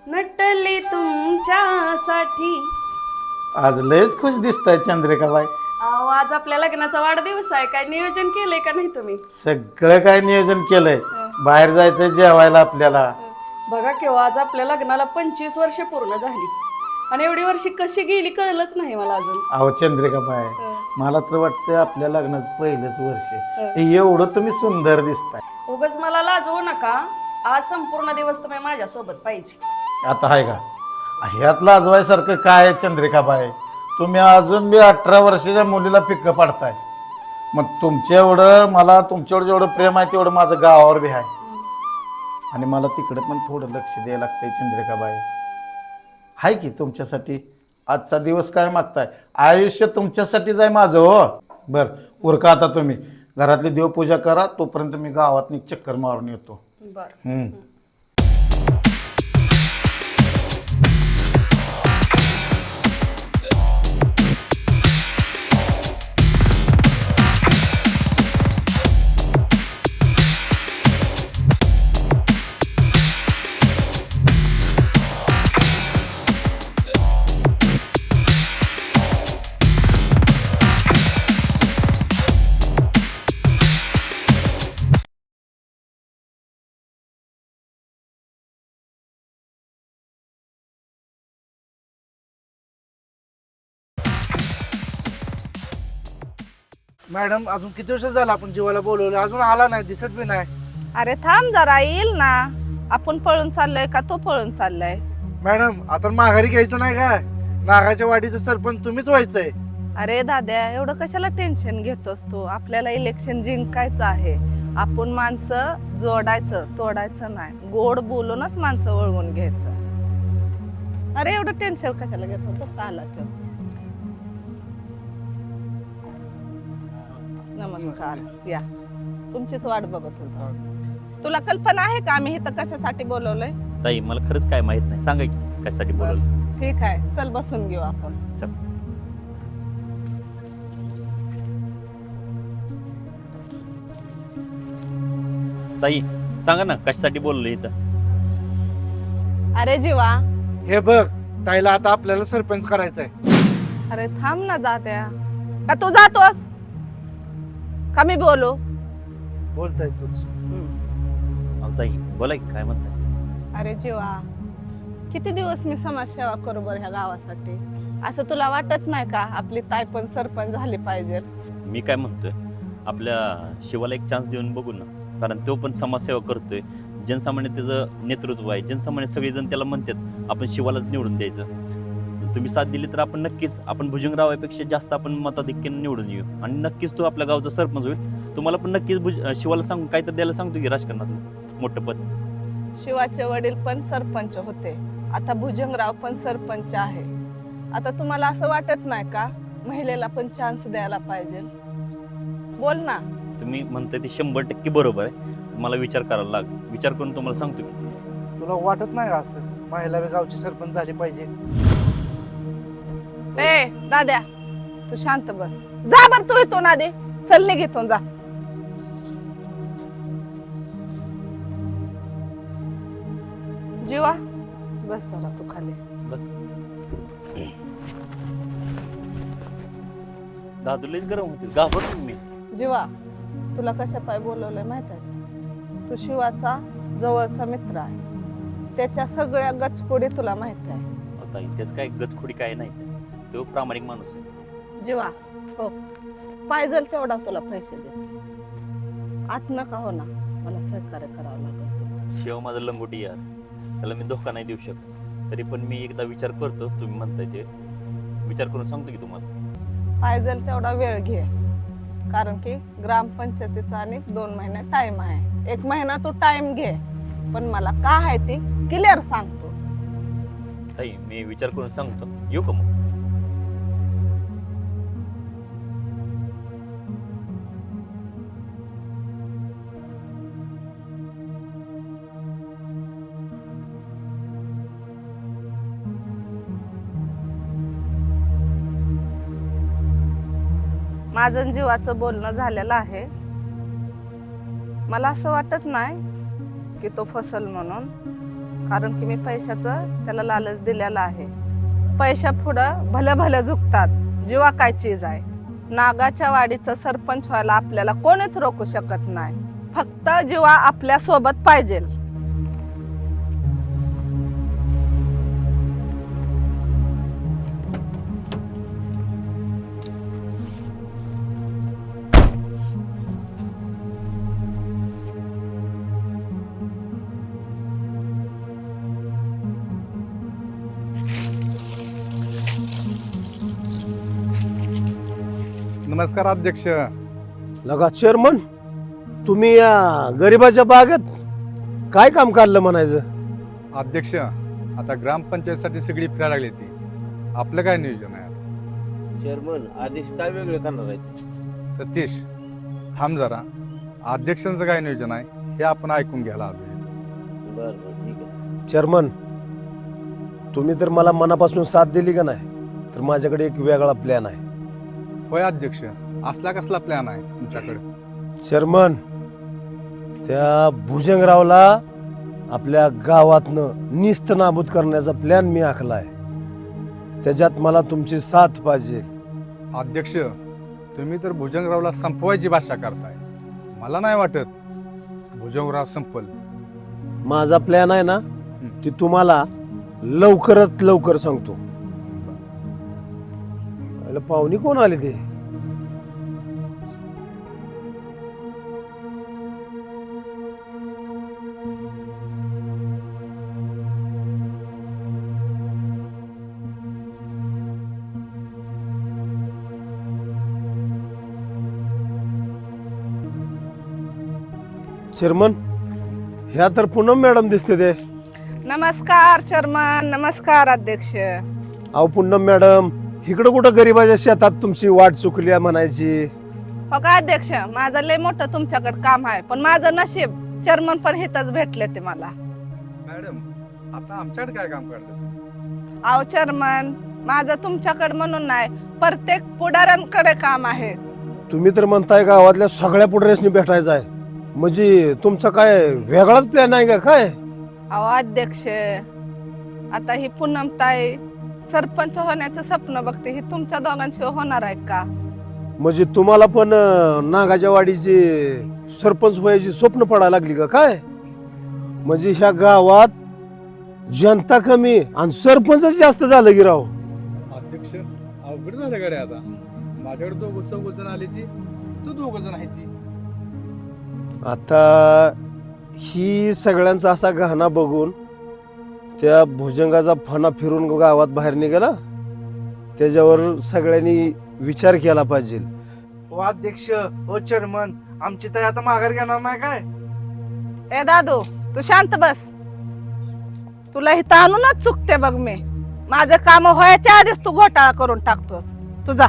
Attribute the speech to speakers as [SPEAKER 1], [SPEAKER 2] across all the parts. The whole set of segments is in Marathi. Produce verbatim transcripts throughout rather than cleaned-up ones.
[SPEAKER 1] नटली तुमच्यासाठी.
[SPEAKER 2] आज लयच खुश दिसताय चंद्रिकाबाई.
[SPEAKER 1] अहो, आज आपल्या लग्नाचा वाढदिवस आहे. काय नियोजन केलंय का नाही तुम्ही?
[SPEAKER 2] सगळं काय नियोजन केलंय. बाहेर जायचं जेवायला आपल्याला.
[SPEAKER 1] बघा केव्हा आज आपल्या लग्नाला पंचवीस वर्ष पूर्ण झाली आणि एवढी वर्षी कशी गेली कळलंच नाही मला अजून.
[SPEAKER 2] अहो चंद्रिकाबाई, मला तर वाटतं आपल्या लग्नाचं पहिलंच वर्ष आहे. एवढं तुम्ही सुंदर दिसताय.
[SPEAKER 1] उगाच मला लाजवू नका. आज संपूर्ण दिवस तुम्ही माझ्या सोबत पाहिजे.
[SPEAKER 2] आता आहे का ह्यात लाजवायसारखं काय आहे चंद्रिकाबाई? तुम्ही अजून बी अठरा वर्षाच्या मुलीला पिक्क पाडताय. मग तुमच्या एवढं मला तुमच्यावर जेवढं प्रेम आहे तेवढं माझं गावावर बी आहे. आणि मला तिकडे पण थोडं लक्ष द्यायला लागतंय चंद्रिकाबाई. आहे की तुमच्यासाठी आजचा दिवस काय मागताय? आयुष्य तुमच्यासाठीच आहे माझं. हो बरं, उरका आता तुम्ही घरातली देवपूजा करा. तोपर्यंत मी गावात एक चक्कर मारून येतो.
[SPEAKER 1] बरं.
[SPEAKER 3] मॅडम अजून किती वर्ष झालं आपण जीवाला बोलवलं, अजून आला नाही, दिसत बी नाही.
[SPEAKER 4] अरे थांब जरा, येईल ना. आपण पळून चाललोय का तो पळून चाललाय?
[SPEAKER 3] मॅडम आता माघारी घ्यायचं नाही काय? नागाच्या वाडीचं सरपंच तुम्हीच व्हायचंय.
[SPEAKER 4] अरे दाद्या, एवढं कशाला टेन्शन घेतोस तू? आपल्याला इलेक्शन जिंकायचं आहे. आपण माणसं जोडायचं, तोडायचं नाही. गोड बोलूनच माणसं वळवून घ्यायचं. अरे एवढं टेन्शन कशाला घेतो? तो का आला तो? नमस्कार. या, तुमचीच वाट बघत होतो. तुला कल्पना आहे का आम्ही इथं कशासाठी बोलवलंय?
[SPEAKER 5] ताई मला खरंच काय माहित नाही, सांगा की कशासाठी बोलवलं.
[SPEAKER 4] ठीक आहे, चल बसून घेऊ आपण.
[SPEAKER 5] चल. ताई सांगा ना कशासाठी बोलवलं इथं?
[SPEAKER 4] अरे जीवा,
[SPEAKER 3] हे बघ, ताईला आता आपल्याला सरपंच करायचंय.
[SPEAKER 4] अरे थांब ना जात्या. का तू जातोस का मी बोलू?
[SPEAKER 3] बोलताय तूच.
[SPEAKER 5] अहो ताई बोला की काय म्हणताय?
[SPEAKER 4] अरे जीवा, किती दिवस मी समाजसेवा करू बरं ह्या गावासाठी? असं तुला वाटत नाही का आपली ताई पण सरपंच झाली पाहिजे?
[SPEAKER 5] मी काय म्हणतोय, आपल्या शिवाला एक चान्स देऊन बघू ना. कारण तो पण समाजसेवा करतोय, जनसामान्य त्याचं नेतृत्व आहे. जनसामान्य सगळेजण त्याला म्हणतात आपण शिवालाच निवडून द्यायचं. तुम्ही साथ दिली तर आपण नक्कीच, आपण भुजंगरावापेक्षा जास्त आपण मताधिक्याने निवडून येऊ आणि नक्कीच तो आपल्या गावचा सरपंच होईल. तुम्हाला पण नक्कीच भुज शिवाला सांगू काय तर द्यायला सांगतो की राजकारणात मोठं पद.
[SPEAKER 4] शिवाचे वडील पण सरपंच होते, आता भुजंगराव पण सरपंच आहे. आता तुम्हाला असं वाटत नाही का महिलेला पण चान्स द्यायला पाहिजे? बोल ना.
[SPEAKER 5] तुम्ही म्हणताय ते शंभर टक्के बरोबर आहे. मला विचार करायला लाग विचार करून तुम्हाला सांगतो की.
[SPEAKER 3] तुला वाटत नाही का असं महिला बी गावची सरपंच झाली पाहिजे?
[SPEAKER 4] ए दाद्या, तू शांत बस. जा बर तू इथून आधी. चल निघ इथून, जा. जीवा बस जरा तू खाली.
[SPEAKER 5] बस दादूलेच गरम होते, घाबरतो मी.
[SPEAKER 4] जीवा, तुला कशा पाय बोलवलंय माहित आहे? तू शिवाचा जवळचा मित्र आहे. त्याच्या सगळ्या गचकोडी तुला माहित आहे.
[SPEAKER 5] अहो ताई त्याच काय गचखोडी काय नाही, तो प्रामाणिक माणूस आहे.
[SPEAKER 4] जीवा हो, पाहिजे तेवढा तुला पैसे देते. आत नका हो ना, मला सहकार्य करावं लागेल.
[SPEAKER 5] शिव माझा लंगोटी यार, त्याला मी धोका नाही देऊ शकत. तरी पण मी एकदा विचार करतो, तुम्ही म्हणताय ते विचार करून सांगतो की तुम्हाला.
[SPEAKER 4] पाहिजे तेवढा वेळ घे, कारण की ग्रामपंचायतीचा आणि दोन महिने टाइम आहे. एक महिना तू टाइम घे, पण मला काय आहे ते क्लिअर सांगतो.
[SPEAKER 5] ताई मी विचार करून सांगतो, येऊ का मग?
[SPEAKER 4] माझं जीवाचं बोलणं झालेलं आहे. मला असं वाटत नाही की तो फसल म्हणून, कारण की मी पैशाचं त्याला लालच दिलेला आहे. पैशा पुढं भल्या भल्या झुकतात, जीवा काय चीज आहे. नागाच्या वाडीचं सरपंच व्हायला आपल्याला कोणीच रोखू शकत नाही, फक्त जीवा आपल्या सोबत पाहिजे.
[SPEAKER 6] नमस्कार अध्यक्ष.
[SPEAKER 7] लगा चेअरमन, तुम्ही या गरिबाच्या बागेत काय काम काढलं म्हणायचं?
[SPEAKER 6] अध्यक्ष, आता ग्रामपंचायतीसाठी सगळी फिरायला लागली ती, आपलं काय नियोजन आहे आता?
[SPEAKER 8] चेअरमन आदेश काय वेगळे करणार आहेत?
[SPEAKER 6] सतीश, थांब जरा. अध्यक्षांचं काय नियोजन आहे हे आपण ऐकून घ्यायला आलो इथं.
[SPEAKER 8] बरं बरं ठीक आहे.
[SPEAKER 7] चेअरमन, तुम्ही तर मला मनापासून साथ दिली का नाही, तर माझ्याकडे एक वेगळा प्लॅन आहे.
[SPEAKER 6] होय अध्यक्ष, असला कसला प्लॅन आहे तुमच्याकडे?
[SPEAKER 7] चेअरमन, त्या भुजंगरावला आपल्या गावातनं निस्त नाबूद करण्याचा प्लॅन मी आखलाय. त्याच्यात मला तुमची साथ पाहिजे.
[SPEAKER 6] अध्यक्ष, तुम्ही तर भुजंगरावला संपवायची भाषा करताय. मला नाही वाटत भुजंगराव संपल.
[SPEAKER 7] माझा प्लॅन आहे ना, ती तुम्हाला लवकरात लवकर सांगतो. पहिलं पाहुणी कोण आली ते? चेअरमन, ह्या तर पूनम मॅडम दिसते ते.
[SPEAKER 4] नमस्कार चेअरमन. नमस्कार अध्यक्ष.
[SPEAKER 7] अहो पूनम मॅडम, इकडं कुठं गरिबाच्या शेतात तुमची वाट चुकली आहे म्हणायची.
[SPEAKER 4] हो का अध्यक्ष, माझं लय मोठं तुमच्याकडे काम आहे, पण माझं नशीब चेअरमन पण हितच भेटले ते मला.
[SPEAKER 6] मॅडम, आता आमच्याकडे काय काम करतात?
[SPEAKER 4] अहो चेअरमन, माझं तुमच्याकडे म्हणून नाही, प्रत्येक पुढाऱ्यांकडे काम आहे.
[SPEAKER 7] तुम्ही तर म्हणताय गावातल्या सगळ्या पुढाऱ्यांनी भेटायचं आहे, म्हणजे तुमचा काय वेगळाच प्लॅन आहे का काय?
[SPEAKER 4] अहो अध्यक्ष, आता ही पूनम ताई सरपंच होण्याचं स्वप्न बघते, ही तुमच्या दोघांशिवाय होणार आहे का?
[SPEAKER 7] म्हणजे तुम्हाला पण अं, नागाच्या वाडीची सरपंच व्हायची स्वप्न पडायला लागली का काय? म्हणजे ह्या गावात जनता कमी आणि सरपंच जास्त झालं की राव.
[SPEAKER 6] अध्यक्ष, अवघड झालं गड्े. आता माझ्याकडे दोघ चौघ जण आली ती, तू दोघ जण आहे ती.
[SPEAKER 7] आता ही सगळ्यांचा असा गहना बघून त्या भुजंगाचा फणा फिरून गावात बाहेर निघाला, त्याच्यावर सगळ्यांनी विचार केला पाहिजे.
[SPEAKER 3] हो अध्यक्ष, हो चेअरमन, आमची ताई आता माघार घेणार नाही काय?
[SPEAKER 4] ए दादू, तू शांत बस. तुला इथं आणूनच चुकते बघ मी. माझं काम व्हायच्या आधीच तू घोटाळा करून टाकतोस. तुझा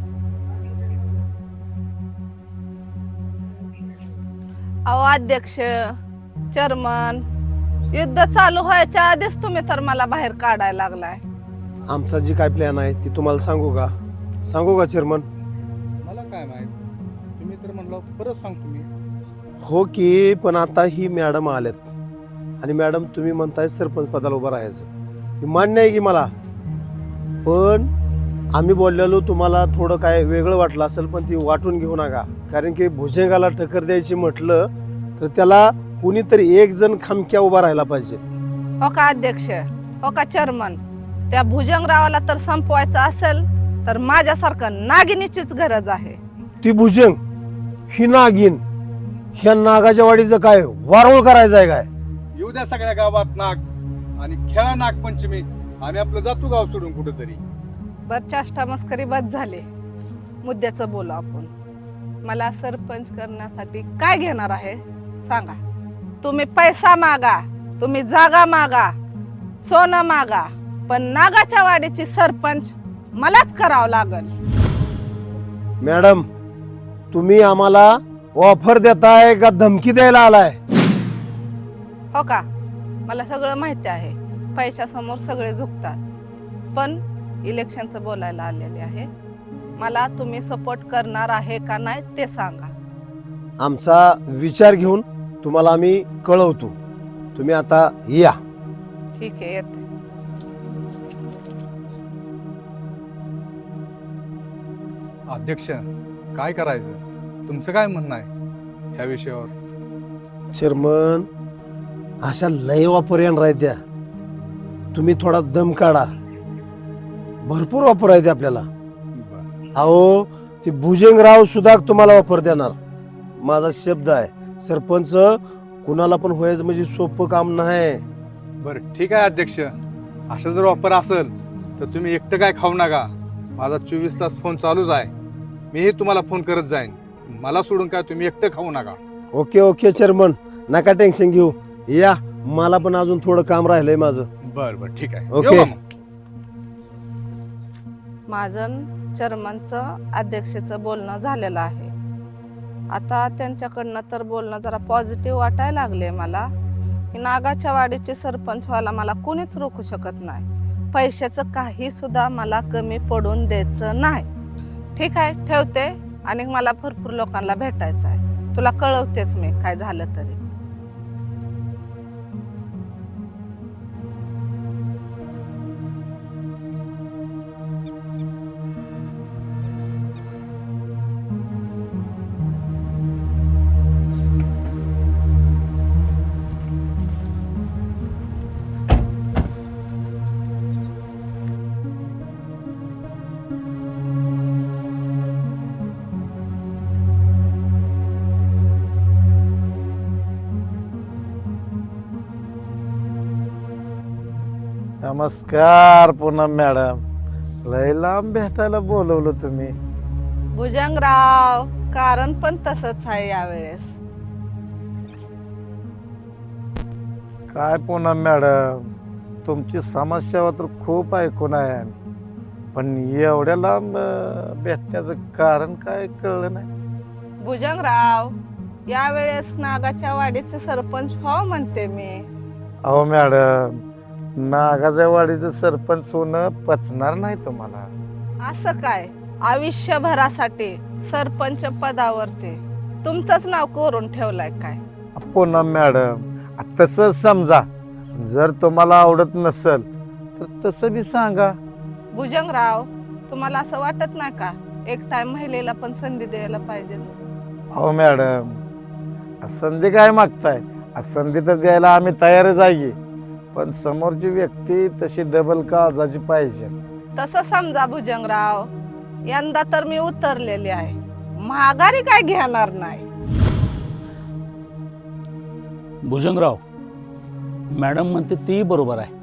[SPEAKER 4] अहो अध्यक्ष, चेअरमन, युद्ध चालू व्हायच्या आधीच तुम्ही तर मला बाहेर काढायला लागलाय.
[SPEAKER 7] आमचा जी काय प्लॅन आहे ती तुम्हाला सांगू का? सांगू का चेअरमन?
[SPEAKER 6] मला काय माहित, तुम्ही तर म्हणलं परत सांगतो मी.
[SPEAKER 7] हो की, पण आता ही मॅडम आल्यात आणि मॅडम तुम्ही म्हणताय सरपंच पदाला उभं राहायचं, हे मान्य आहे की मला. पण आम्ही बोललेलो तुम्हाला थोडं काय वेगळं वाटलं असेल, पण ती वाटून घेऊ नका. कारण की भुजंगाला टक्कर द्यायची म्हटलं तर त्याला कुणीतरी एक जण खमक्या उभा राहायला पाहिजे.
[SPEAKER 4] हो का अध्यक्ष, हो का चेअरमन, त्या भुजंगरावाला तर संपवायचं असेल तर माझ्यासारखं नागिनीचीच गरज आहे.
[SPEAKER 7] ती भुजंग, ही नागिन, ह्या नागाच्या वाडीचं काय वारोळ करायचं आहे काय?
[SPEAKER 6] येऊ द्या सगळ्या गावात नाग आणि खेळा नागपंचमी. आम्ही आपलं जातो गाव सोडून कुठेतरी.
[SPEAKER 4] बर, चाष्टा मस्करी बस झाली, मुद्द्याचं बोलू आपण. मला सरपंच करण्यासाठी काय घेणार आहे सांगा. तुम्ही पैसा मागा, तुम्ही जागा मागा, सोनं मागा, पण नागाच्या वाडीची सरपंच मलाच करावं लागल.
[SPEAKER 7] मॅडम, तुम्ही आम्हाला ऑफर देताय का धमकी द्यायला आलाय?
[SPEAKER 4] हो का, मला सगळं माहिती आहे, पैशासमोर सगळे झुकतात, पण इलेक्शनचं बोलायला आलेले आहे. मला तुम्ही सपोर्ट करणार आहे का नाही ते सांगा.
[SPEAKER 7] आमचा विचार घेऊन तुम्हाला आम्ही कळवतो. तुम्ही आता या.
[SPEAKER 4] ठीक आहे येते.
[SPEAKER 6] अध्यक्ष काय करायचं तुमचं काय म्हणणं आहे ह्या विषयावर?
[SPEAKER 7] चेअरमन अशा लय वापर येणार आहेत त्या. तुम्ही थोडा दम काढा. भरपूर वापर आहे ते आपल्याला.
[SPEAKER 6] बरं.
[SPEAKER 7] अहो ते भुजंगराव सुद्धा तुम्हाला वापर देणार. माझा शब्द आहे. सरपंच कुणाला पण व्हायचं म्हणजे सोपं काम नाही.
[SPEAKER 6] बरं ठीक आहे अध्यक्ष, असं जर ऑफर असेल तर तुम्ही एकटं काय खाऊ नका. माझा चोवीस तास फोन चालूच आहे. मीही तुम्हाला फोन करत जाईन. मला सोडून काय तुम्ही एकटं खाऊ नका.
[SPEAKER 7] ओके ओके चेअरमन, नका टेन्शन घेऊ. या, मला पण अजून थोडं काम राहिलंय माझं.
[SPEAKER 6] बरं बरं ठीक आहे.
[SPEAKER 7] ओके.
[SPEAKER 6] येऊ का मग?
[SPEAKER 4] माझं चेअरमनचं अध्यक्षेचं बोलणं झालेलं आहे. आता त्यांच्याकडनं तर बोलणं जरा पॉझिटिव्ह वाटायला लागले मला की नागाच्या वाडीचे सरपंच व्हायला मला कोणीच रोखू शकत नाही. पैशाचं काही सुद्धा मला कमी पडून द्यायचं नाही. ठीक आहे, ठेवते. आणि मला भरपूर लोकांना भेटायचं आहे. तुला कळवतेच मी काय झालं तरी.
[SPEAKER 2] नमस्कार पूनम मॅडम. लय लांब भेटायला बोलवलं तुम्ही.
[SPEAKER 4] भुजंगराव, कारण पण तसंच आहे यावेळेस.
[SPEAKER 2] काय पूनम मॅडम, तुमची समस्या तर खूप ऐकून आहे आम्ही. पण एवढ्या लांब अं, भेटण्याचं कारण काय कळलं नाही.
[SPEAKER 4] भुजंगराव, यावेळेस नागाच्या वाडीचे सरपंच व्हावं म्हणते मी.
[SPEAKER 2] अहो मॅडम, नागाच्या वाडीचं सरपंच होणं पचणार नाही तुम्हाला.
[SPEAKER 4] असं काय? आयुष्यभरासाठी सरपंच पदावरती तुमचंच नाव कोरून ठेवलंय काय?
[SPEAKER 2] पूनम मॅडम, तसं समजा. जर तुम्हाला आवडत नसेल तर तसं बी सांगा.
[SPEAKER 4] भुजंगराव, तुम्हाला असं वाटत नाही का एक टाइम महिलेला पण संधी द्यायला पाहिजे?
[SPEAKER 2] अहो मॅडम, संधी काय मागताय? संधी तर द्यायला आम्ही तयारच आहे, पण समोरची व्यक्ती तशी डबल काळजाची पाहिजे.
[SPEAKER 4] तसं समजा भुजंगराव, यंदा तर मी उतरलेली आहे. महागारी काय घेणार नाही.
[SPEAKER 9] भुजंगराव, मॅडम म्हणते ती बरोबर आहे.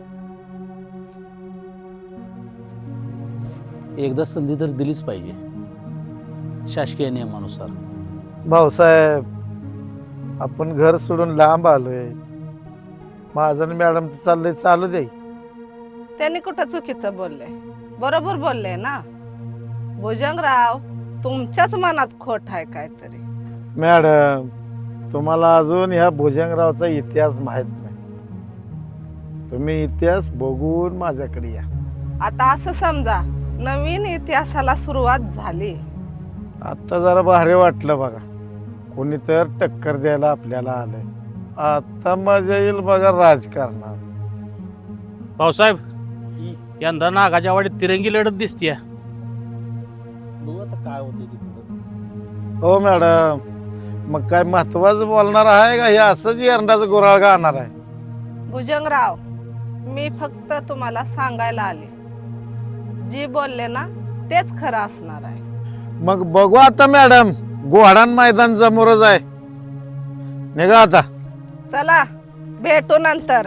[SPEAKER 9] एकदा संधी तर दिलीच पाहिजे शासकीय नियमानुसार.
[SPEAKER 2] भाऊसाहेब, आपण घर सोडून लांब आलोय. माझं आणि मॅडमचं चाललंय, चालू दे.
[SPEAKER 4] त्यांनी कुठं चुकीचं बोलले? बरोबर बोलले ना. भुजंगराव, तुमच्याच मनात खोट आहे काहीतरी.
[SPEAKER 2] मॅडम, तुम्हाला अजून ह्या भुजंगरावचा इतिहास माहित नाही. तुम्ही इतिहास बघून माझ्याकडे या.
[SPEAKER 4] आता असं समजा नवीन इतिहासाला सुरुवात झाली.
[SPEAKER 2] आता जरा भारी वाटलं बघा. कोणी तर टक्कर द्यायला आपल्याला आलंय. आता मजा येईल बघा राजकारणात.
[SPEAKER 9] भाऊसाहेब, यंदा नागाच्या वाडीत तिरंगी लढत दिसतीये. बघू आता काय होते ती पुढं.
[SPEAKER 2] हो मॅडम, मग काय महत्वाचं बोलणार आहे का हे असंच एरंडाचं गुराळ गाणार आहे?
[SPEAKER 4] भुजंगराव, मी फक्त तुम्हाला सांगायला आले. जी बोलले ना तेच खरं असणार आहे.
[SPEAKER 2] मग बघू आता मॅडम, गोहाडान मैदान समोरच आहे. निघा आता.
[SPEAKER 4] चला, भेटू नंतर.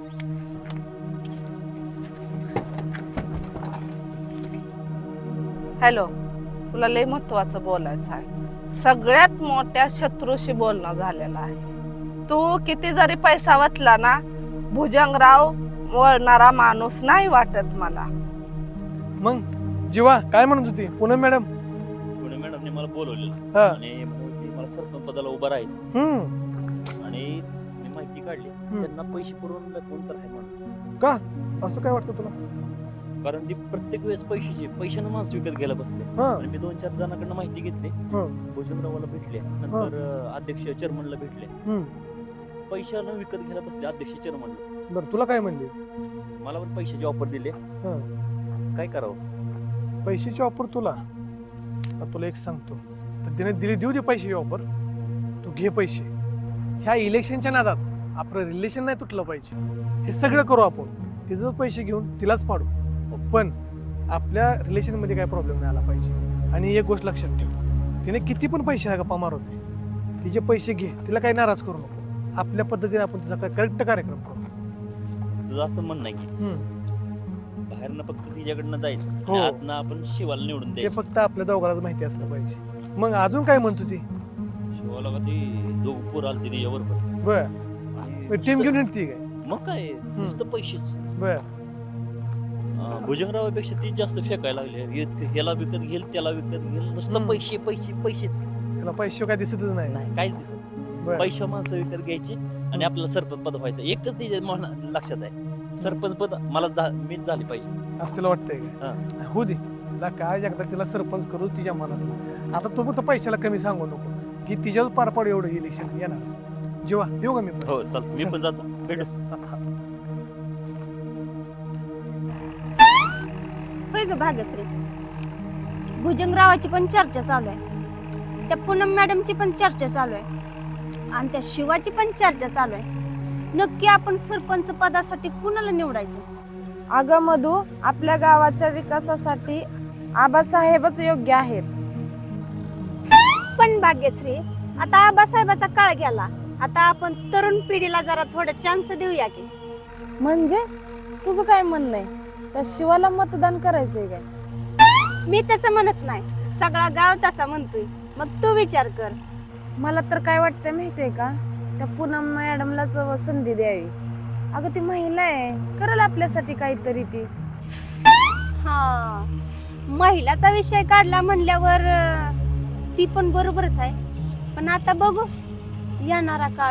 [SPEAKER 4] हॅलो, तुला लय महत्वाचं बोलायचं आहे. सगळ्यात मोठ्या शत्रूशी बोलणं झालेलं आहे. तू किती जरी पैसा वाचला ना, भुजंगराव वळणारा माणूस नाही वाटत मला.
[SPEAKER 3] मग जीवा काय म्हणत होती पूनम मॅडम?
[SPEAKER 5] पुणे मॅडमने मला बोलवलेलं
[SPEAKER 3] हा.
[SPEAKER 5] आणि म्हणून मला सरपंच पदाला उभं राहायचं.
[SPEAKER 3] हम्म.
[SPEAKER 5] आणि मी माहिती काढली, त्यांना पैसे पुरवून कोण तर आहे माणूस.
[SPEAKER 3] का असं काय वाटतं तुला?
[SPEAKER 5] कारण ती प्रत्येक वेळेस पैशाची पैशानं माणसं विकत घ्यायला बसले.
[SPEAKER 3] हा.
[SPEAKER 5] आणि मी दोन चार जणांकडनं माहिती घेतली.
[SPEAKER 3] हा.
[SPEAKER 5] भुजंगरावाला भेटले, नंतर अं, अध्यक्ष चेअरमनला भेटले.
[SPEAKER 3] हम्म.
[SPEAKER 5] पैशानं विकत घ्यायला बसले अध्यक्षाचे म्हणलं.
[SPEAKER 10] बरं तुला काय म्हणले?
[SPEAKER 5] मला पण पैशाची ऑफर दिली.
[SPEAKER 10] हां
[SPEAKER 5] काय करावं?
[SPEAKER 10] पैशाची ऑफर तुला? आता तुला एक सांगतो, तर तिने दिली, देऊ दे पैशाची ऑफर, तू घे पैसे. ह्या इलेक्शनच्या नादात आपलं रिलेशन नाही तुटलं पाहिजे. हे सगळं करू आपण, तिचं पैसे घेऊन तिलाच पाडू, पण आपल्या रिलेशनमध्ये काय प्रॉब्लेम नाही आला पाहिजे. आणि एक गोष्ट लक्षात ठेव, तिने किती पण पैसे गप्पा मारवते, तिचे पैसे घे, तिला काही नाराज करू नको. आपल्या पद्धतीने आपण तिचा काय करेक्ट कार्यक्रम करू.
[SPEAKER 5] तुझं असं म्हणणं आहे की
[SPEAKER 10] हम्म.
[SPEAKER 5] बाहेरनं फक्त तिच्याकडनं जायचं
[SPEAKER 10] हो.
[SPEAKER 5] आणि आतनं आपण शिवाला निवडून
[SPEAKER 10] ते
[SPEAKER 5] द्यायचं.
[SPEAKER 10] फक्त आपल्या दोघांनाच माहिती असलं पाहिजे. मग अजून काय म्हणतो ती?
[SPEAKER 5] शिवाला का ती दोघ पोर आली तिच्या बरोबर
[SPEAKER 10] बर
[SPEAKER 5] आणि
[SPEAKER 10] टीम घेऊन
[SPEAKER 5] नुसतं-
[SPEAKER 10] येते काय?
[SPEAKER 5] मग काय नुसतं पैसेच.
[SPEAKER 10] बर
[SPEAKER 5] अं, भुजंगरावापेक्षा ती जास्त फेकायला लागली. इतकं ह्याला विकत घेईल त्याला विकत घेईल नुसतं
[SPEAKER 10] हम्म.
[SPEAKER 5] पैसे पैसे पैसेच.
[SPEAKER 10] त्याला पैसे काय दिसतच नाही.
[SPEAKER 5] नाही काहीच दिसत.
[SPEAKER 10] बर
[SPEAKER 5] पैसे माणसं विकत घ्यायची आणि आपल्याला सरपंच पद व्हायचं. एकच तिच्या मना- लक्षात आहे, सरपंच पद मला झा- मीच झाली पाहिजे.
[SPEAKER 10] असं तुला वाटतंय काय? होऊ दे, तिला काय एकदा तिला सरपंच करू तिच्या मनात. आता तू फक्त पैशाला कमी सांगू नको की तिच्यावर पार पाडू एवढं इलेक्शन येणार. जेव्हा येऊ का मी पण?
[SPEAKER 5] हो चालतं, मी पण जातो. भेटू.
[SPEAKER 11] होय ग भाग्यश्री, भुजंगरावाची पण चर्चा चालू आहे, त्या पूनम मॅडमची पण चर्चा चालू आहे आणि त्या शिवाची पण चर्चा चालू आहे. नक्की आपण सरपंच पदासाठी कुणाला निवडायचं?
[SPEAKER 4] अगं मधू, आपल्या गावाच्या विकासासाठी आबासाहेबच योग्य आहेत.
[SPEAKER 11] पण भाग्यश्री, आता आबासाहेबाचा काळ गेला, आता आपण तरुण पिढीला जरा थोडं चान्स देऊया की.
[SPEAKER 4] म्हणजे तुझं काय म्हणणं आहे? त्या शिवाला मतदान करायचंय काय?
[SPEAKER 11] मी तसं म्हणत नाही, सगळा गाव तसा म्हणतोय. मग तू विचार कर.
[SPEAKER 4] मला तर काय वाटतंय माहितीये का, त्या पूनम मॅडमलाच संधी द्यावी. अगं ती महिला आहे, करल आपल्यासाठी काहीतरी ती.
[SPEAKER 11] हा, महिलाचा विषय काढला म्हणल्यावर अं, ती पण बरोबरच आहे. पण आता बघू येणारा काळ.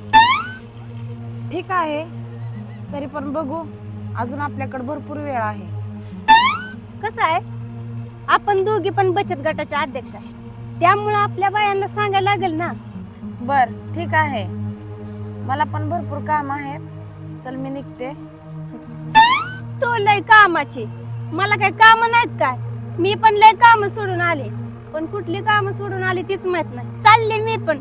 [SPEAKER 4] ठीक आहे, तरी पण बघू, अजून आपल्याकडे भरपूर वेळ आहे.
[SPEAKER 11] कसं आहे, आपण दोघी पण बचत गटाच्या अध्यक्ष आहे, त्यामुळे आपल्या बायांना सांगायला लागेल ना.
[SPEAKER 4] बर ठीक आहे, मला पण भरपूर काम आहे, चल मी निघते.
[SPEAKER 11] तो लय कामाची, मला काही काम नाहीत काय? मी पण लय काम सोडून आले, पण कुठली काम सोडून आली तीच माहित नाही. चालले मी पण.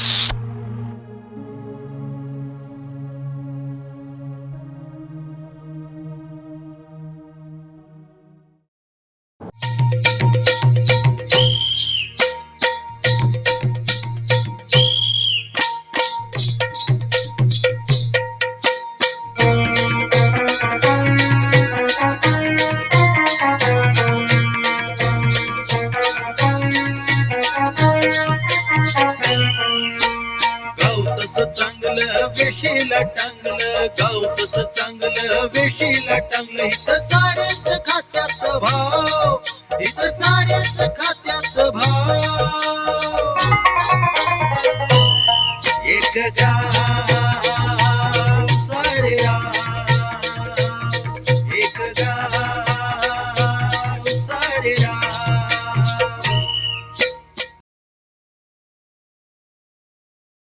[SPEAKER 12] गाव तसं चांगलं वेशीला टांगलं, गाव तसं चांगलं वेशीला टांगलं. इथं साऱ्याच खात्यात भाव, इथं साऱ्याच खात्यात भाव. एक गाव